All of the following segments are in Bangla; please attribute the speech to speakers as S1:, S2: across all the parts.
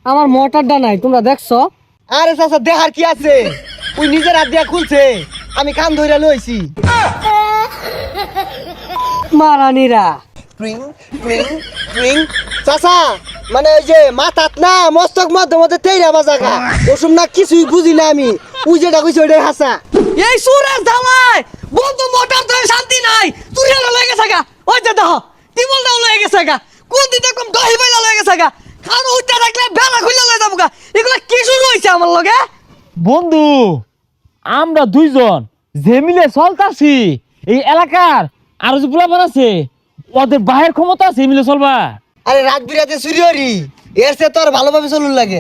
S1: আমার মোটরটা নাই, তোমরা দেখছো?
S2: আরে চাচা দেখার কি আছে, ওই নিজের হাত দিয়া খুলছে, আমি কান ধইরা লইছি।
S1: মারানিরা
S2: ট্রিং ট্রিং ট্রিং। চাচা মানে ওই যে মাথাত না মস্তক মধ্যে মধ্যে তেইরা বাজাগা ওসব না কিছুই বুঝি না আমি, ওই যেটা কইছে ওইটাই হাসা।
S1: এই সুরের ধামাই বন্ধু মোটর তো শান্তি নাই, তুই হলো লয়ে গেছে গা। ওই যে দেখো টিবল দাও লয়ে গেছে গা, কোন দিন দেখম দহি বাইলা লয়ে গেছে গা, খান উঠতে থাকলে বেলা খুলে লয়ে যাবো গা। এগুলা কি শুরু হইছে আমার লগে?
S3: বন্ধু আমরা দুইজন যে মিলে চলতাছি এই এলাকার আরো যে পোলাপান আছে ওদের বাহের ক্ষমতা আছে মিলে চলবা।
S2: আরে রাত বিরাতে চুরি হরি, এর সে তোর ভালোভাবে চলুন লাগে।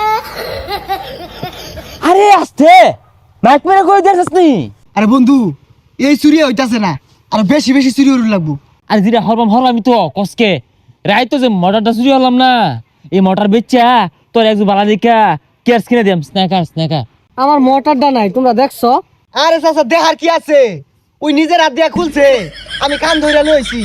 S3: আরে আসতে মাইক মেরে কই দেখছিস নি?
S2: আরে বন্ধু এই চুরি হইতাছে না, আর বেশি বেশি চুরি হরুন লাগবো।
S3: আরে যেটা হরলামই তো কসকে রাই তো যে মোটরটা চুরি হলাম না, এই মোটর বেচা তোর একজন বালা দেখা কেয়ার কিনে দিলাম। স্ন্যাকার
S1: আমার মোটরটা নাই, তোমরা দেখছো?
S2: আরে চাচা দেখার কি আছে, ওই নিজের হাত দিয়া খুলছে, আমি কান ধইরা লইছি।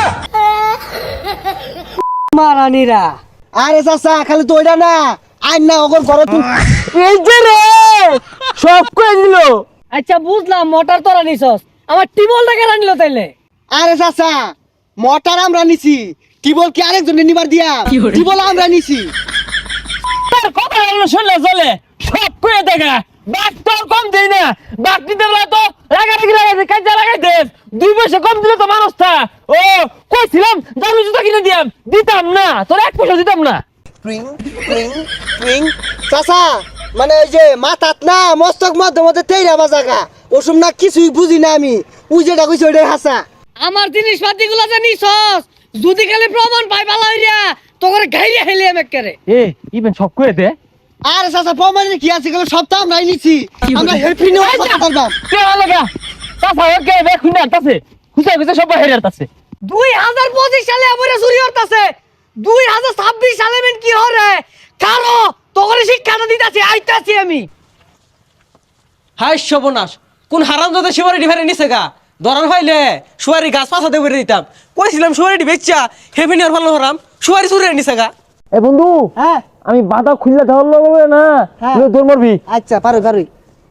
S1: মারানিরা
S2: আরে চাচা খালি তো ওইটা না, আইন না ওগর ঘরে তুই।
S3: এই যে রে সব কই দিল।
S1: আচ্ছা বুঝলাম মোটর তোরা নিছস, আমার টিবলটা কেন নিল তাইলে?
S2: আরে চাচা মোটর আমরা নিছি, টিবল কি আরেকজনে নিবার দিয়া? টিবল আমরা নিছি।
S3: তোর কথা হলো শুনলে চলে, সব কই দেখা বাক তোর কম দেই না, বাক দিতে বলা তো লাগাই কাজে লাগাই দে। 2 পয়সা কম দিলে তো মানুষটা ও কইছিলাম দামি জুতা কিনে দিতাম না, তোর 1 পয়সা দিতাম না।
S2: ট্রিং ট্রিং ট্রিং। চাচা মানে ওই যে মাথাত না মস্তক মধ্যে মধ্যে তেইরা বাজাগা ওসব না কিছুই বুঝি না আমি, ওই যেটা কইছে ওইটাই হাসা।
S1: আমার জিনিসপাতি গুলো যে নিছস, যদি খালি প্রমাণ পাই ভালো হইরা তো করে গাইরে হেলে আমি করে।
S3: এ ইভেন সব কই দে।
S2: আরে চাচা প্রমাণের কি আছে, গেল সপ্তাহ আমরাই নিছি, আমরা হেল্পি নিয়ে কথা বলবাম।
S3: কে লাগা তাফা ওকে বে খুনা তাছে খুঁজে সব বাইরে আছে।
S1: 2025 সালে আমরা চুরি হতাছে, 2026 সালে মেন কি হরে কারো তোরে শিক্ষাটা দিতাছি আইতাছি আমি।
S4: হাই সর্বনাশ, কোন হারামজাদা সুপারিটি ফেরে নিছে গা, ধরার হইলে সুপারি গাছ পাছাতে করে দিতাম। কইছিলাম সুপারিটি বেচ্চা হেভি নিয়ার ভালো হরাম, সুপারি চুরি নিছে গা।
S3: এ বন্ধু
S2: হ্যাঁ
S3: আমি বাধা খুললে ধরল হবে না,
S2: হ্যাঁ।
S3: তোর মরবি।
S2: আচ্ছা পারো পারোই।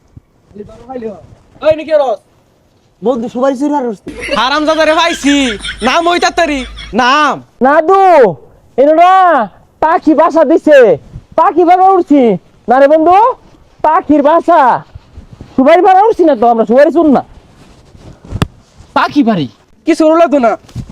S4: ওই নাকি রস
S2: বন্ধু সবাই চুরি আর
S4: হারামজাদা রে পাইছি, নাম ওই তাড়াতাড়ি নাম।
S3: নাদু এনোরা পাখি বাসা দিছে, পাখি বাসা উঠছি না রে বন্ধু, পাখির বাসা সুবারি বাড়া উঠছি না তো, আমরা সুবারি শুন না পাখি বাড়ি
S4: কিছু হলো তো না,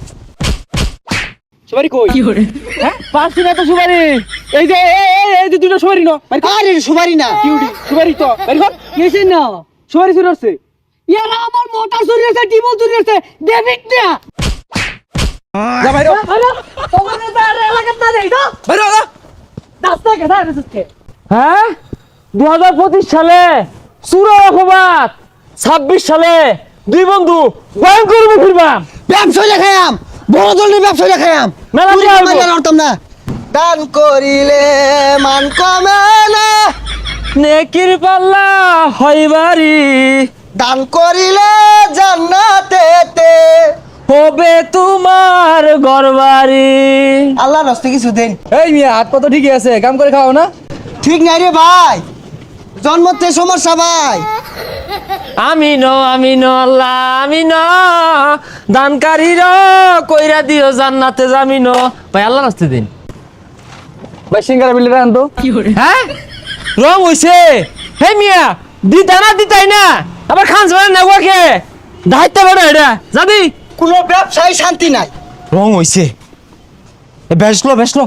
S4: সুপারি কই?
S3: হ্যাঁ পাচ্ছি না তো সুবারি। এই যে এই যে দুটো সুবারি না
S2: আরে সুপারি না
S4: কিউটি সুপারি তো বের কর।
S1: কিছে না
S4: সুপারি চুরি হচ্ছে।
S1: ইয়ারা আমার মোটর চুরি হইছে, টিবল চুরি হইছে, ডেভিড না
S4: যা বাইরে
S1: আরে তোরে তার এলাকা না দেই তো
S4: বাইরে যা।
S1: রাস্তা কে দাঁড়া রেসকে।
S3: হ্যাঁ 2025 সালে সুরা অপবাদ, 26 সালে দুই বন্ধু ভয়ঙ্কর ফিরবাম।
S2: ব্যবসা দেখায়াম, বড় ধরনের ব্যবসা দেখায়াম,
S3: মেলা
S2: চুরি
S3: দিয়া হইবো।
S2: করলে লড়তাম না। দান করিলে মান কমে না,
S3: নেকির পাল্লা হইবারি
S2: দান করিলে জান্নাতেতে।
S3: হবে তোমার ঘরবাড়ি।
S2: আল্লাহ রাস্তে কিছু দেন।
S4: এই মিয়া হাত কত ঠিকই আছে, কাম করে খাও না।
S2: ঠিক নাই রে ভাই, জন্মতে সমস্যা ভাই।
S3: আমিন আল্লাহ আমিন, দানকারীর কইরা দিও জান্নাতে জামিন। ভাই আল্লাহ রাস্তে দিন
S4: ভাই সিঙ্গারা বিলে রান তো।
S3: হ্যাঁ রং হইছে। হে মিয়া দিতাই না আবার খান যাবে না ওকে দায়িত্ব বড় এটা যাবি।
S2: কোনো ব্যবসায় শান্তি নাই।
S3: রং হইছে বেসলো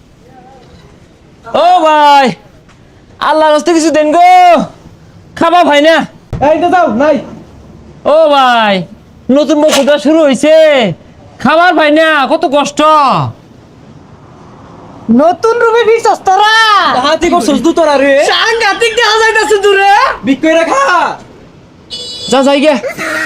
S3: ও ভাই আল্লাহ রাস্তে কিছু দেন গো, খাবা ভাই না।
S4: এই তো যাও নাই।
S3: ও ভাই নতুন বছরটা শুরু হইছে, খাবার ভাই না কত কষ্ট।
S1: নতুন রূপে বিশ্বস্ত তোরা
S4: হাতি করছস দু তোরা রে,
S1: সাংঘাতিক দেখা যাইতাছে দূরে।
S4: বিক্রি রাখা
S3: যা যাই গে।